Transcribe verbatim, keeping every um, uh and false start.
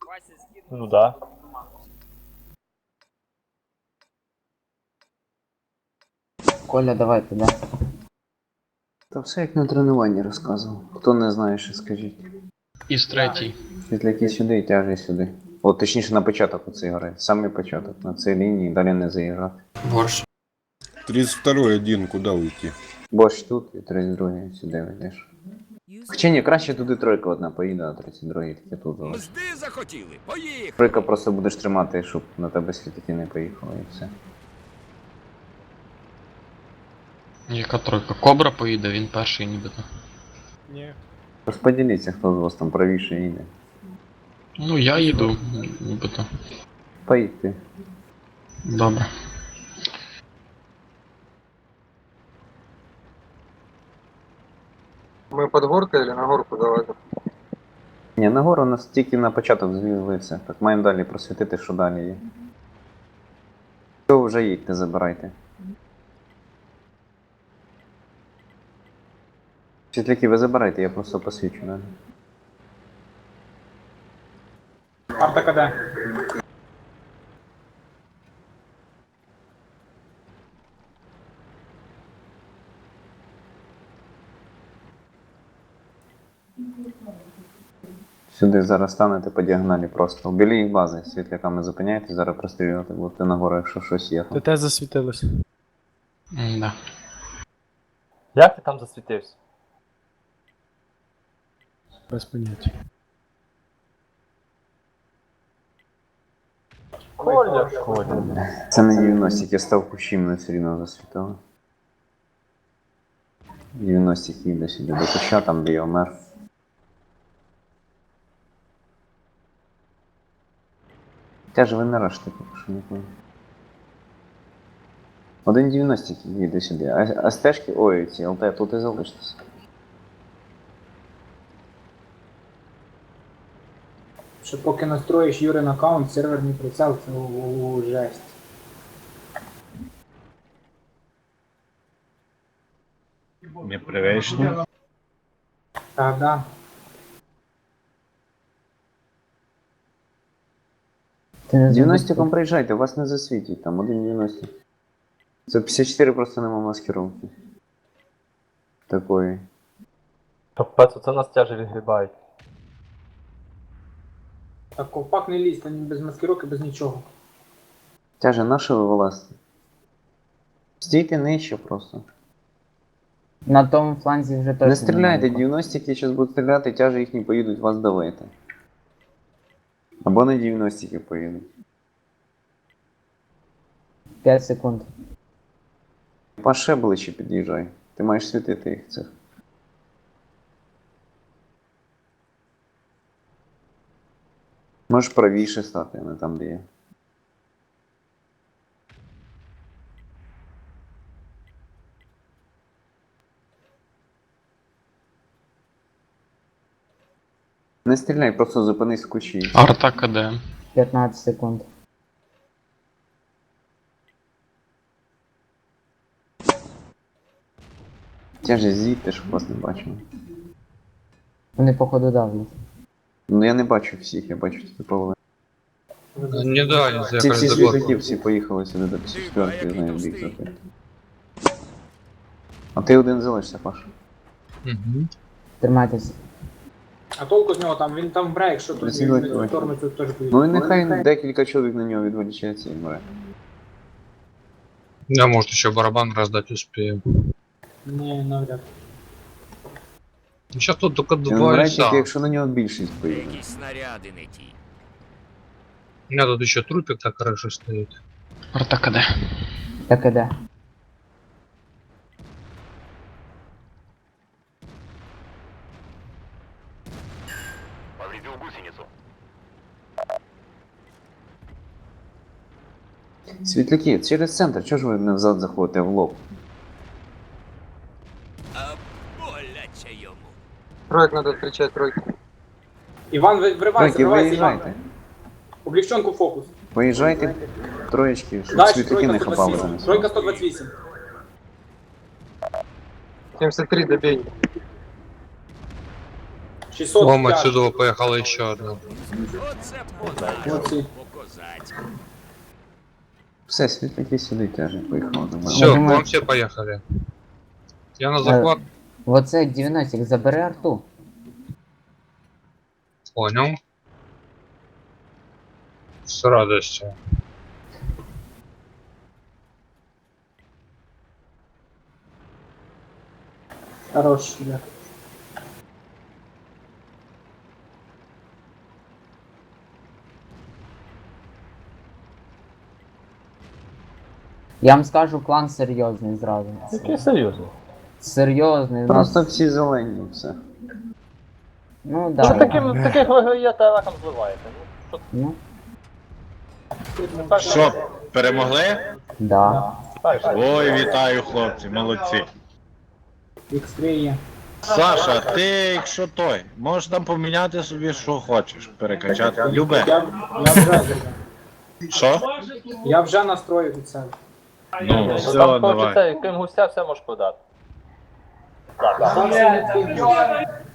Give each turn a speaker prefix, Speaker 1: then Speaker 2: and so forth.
Speaker 1: Ну да.
Speaker 2: Коля, давай туди.
Speaker 3: Та все як на тренуванні розказував. Хто не знає, що скажіть.
Speaker 4: Із третій.
Speaker 3: Світляки сюди і тяжі сюди. О, точніше на початок оцей гри. Самий початок. На цій лінії далі не заїжджати.
Speaker 4: Борщ.
Speaker 5: тридцать второй один, куда уйти?
Speaker 3: Борщ тут і тридцять другий сюди ведеш. Хоча ні, краще туди тройка одна поїде, а тридцять другий таки тут залиш.
Speaker 6: Мзди захотіли, поїхали!
Speaker 3: Тройка просто будеш тримати, щоб на тебе світляки не поїхали і все.
Speaker 4: Яка тройка? Кобра поїде, він перший нібито.
Speaker 1: Ні.
Speaker 3: Розподіліться, хто з вас там правіше їде.
Speaker 4: Ну я їду, нібито.
Speaker 3: Поїдьте.
Speaker 4: Добре.
Speaker 7: Мы под горкой или на горку давайте?
Speaker 3: Ні, нагору у нас тільки на початок звізлився. Так маємо далі просвітити, що далі є. Все, вже їдьте, забирайте. Світляки, ви забирайте, я просто посвічу далі.
Speaker 1: Арта КД.
Speaker 3: Сюди зараз станете по діагоналі просто. Біля їх бази світляками зупиняєте, зараз прострілювати будете нагору, якщо щось є.
Speaker 8: ТТ засвітилось.
Speaker 4: М-да.
Speaker 1: Як ти там засвітився?
Speaker 8: Без поняття.
Speaker 1: Коля, Коля.
Speaker 3: Це не дев'яностик, я став кущим, мене все рівно засвітило. дев'яностик їде сюди до куща, там де я вмер. Тяже ви не раште, поки що ніколи. Один дев'яностик їде сюди, а, а стежки, ой, ці ЛТ, тут і залишитися.
Speaker 9: Що поки настроїш Юрин аккаунт, серверний прицел, це у жесть.
Speaker 5: Непривычно.
Speaker 9: Так, да.
Speaker 2: Ти не
Speaker 3: дев'яностиком приїжджайте, вас не засвітять, там один дев'яностик. Це п'ятдесят чотири просто нема маскировки. Такої.
Speaker 1: Капець, оце нас тяжі відгрібають.
Speaker 9: Так, ковпак не лізь, там без маскировки, без нічого.
Speaker 3: Тяже, на що ви вилазите? Стійте нижче просто.
Speaker 2: На тому фланзі вже точно.
Speaker 3: Не стріляйте,
Speaker 2: немає.
Speaker 3: дев'яностики зараз будуть стріляти, тяжі їхні поїдуть вас давити. Або на дев'яностики поїдуть.
Speaker 2: п'ять секунд.
Speaker 3: Паше ближче під'їжджай. Ти маєш світити їх цих. Можеш правіше стати, а не там, де є. Не стріляй, просто зупинись в кущі.
Speaker 4: Арта КД.
Speaker 2: п'ятнадцять секунд.
Speaker 3: Тяже з'їдьте, щоб вас не бачили.
Speaker 2: Вони походу давлять.
Speaker 3: Ну я не бачу всіх, я бачу тільки половину.
Speaker 7: Не да,
Speaker 3: Ці всі світляки всі поїхали сюди до п'ятдесят четвертої, знаю, в бік закрити. А ти один залишся, Паш.
Speaker 2: Тримайтесь.
Speaker 9: А толку з нього там, він там вбре, якщо тут
Speaker 3: Працювати
Speaker 9: він в
Speaker 3: давай.
Speaker 9: сторону цю теж поїде.
Speaker 3: Ну і нехай декілька чоловік на нього відволічається і мре.
Speaker 7: Я, может, еще барабан раздать успею.
Speaker 9: Ні, навряд.
Speaker 7: Сейчас тут только
Speaker 3: Він
Speaker 7: два
Speaker 3: мре
Speaker 7: лица.
Speaker 3: тільки, якщо на нього більшість поїде.
Speaker 6: Якісь снаряди не ті.
Speaker 7: У меня тут еще трупик так хорошо стоит.
Speaker 4: Арта КД.
Speaker 2: Так іде.
Speaker 6: Повредил гусеницу.
Speaker 3: Світляки, через центр, чого ж ви не взад заходите в лоб?
Speaker 6: А боляче йому.
Speaker 7: Троек надо встречать, тройку.
Speaker 9: Іван, ви- вривайся,
Speaker 3: Тройки,
Speaker 9: вривайся, Іван.
Speaker 3: виїжджайте.
Speaker 9: Облегченку фокус.
Speaker 3: Поїжджайте троєчки, щоб
Speaker 9: Дальше,
Speaker 3: світляки
Speaker 9: тройка
Speaker 3: не
Speaker 9: сто
Speaker 3: хапали
Speaker 9: двадцять
Speaker 3: за
Speaker 9: вісім.
Speaker 3: нас.
Speaker 9: Тройка сто двадцять вісім.
Speaker 7: семьдесят три добей.
Speaker 9: шістсот
Speaker 7: Вон
Speaker 9: п'ять.
Speaker 7: отсюда поехала еще одна.
Speaker 6: Оце
Speaker 9: Оці.
Speaker 6: по-козацьку.
Speaker 3: Все, світлики сюди теж поїхали до мене.
Speaker 7: Все,
Speaker 2: думаю-
Speaker 7: к вам все поехали. Я на захват.
Speaker 2: Оце дев'яностик, забери арту.
Speaker 7: Понял. С радостью.
Speaker 9: Хорош, да.
Speaker 2: Я вам скажу, клан серйозний зразу.
Speaker 1: Який серйозний.
Speaker 2: Серйозний. ну,
Speaker 3: Просто всі зелені, все.
Speaker 2: Ну
Speaker 1: Що
Speaker 2: да.
Speaker 1: таким, таких виграєте, раком зливаєте? Ну,
Speaker 2: Ну,
Speaker 1: що,
Speaker 5: Що, перемогли?
Speaker 2: да.
Speaker 1: так, так.
Speaker 5: Ой, вітаю, хлопці, молодці.
Speaker 9: ікс три є.
Speaker 5: Саша, ти якщо той, можеш там поміняти собі, що хочеш, перекачати. Любе.
Speaker 9: Я, я вже зробив.
Speaker 5: Що?
Speaker 9: Я вже настроїв від себе.
Speaker 5: Ну, все,
Speaker 1: Там
Speaker 5: давай.
Speaker 1: хочеться, крім гуся, все можеш продати. Так, так.
Speaker 9: Там це не потрібно.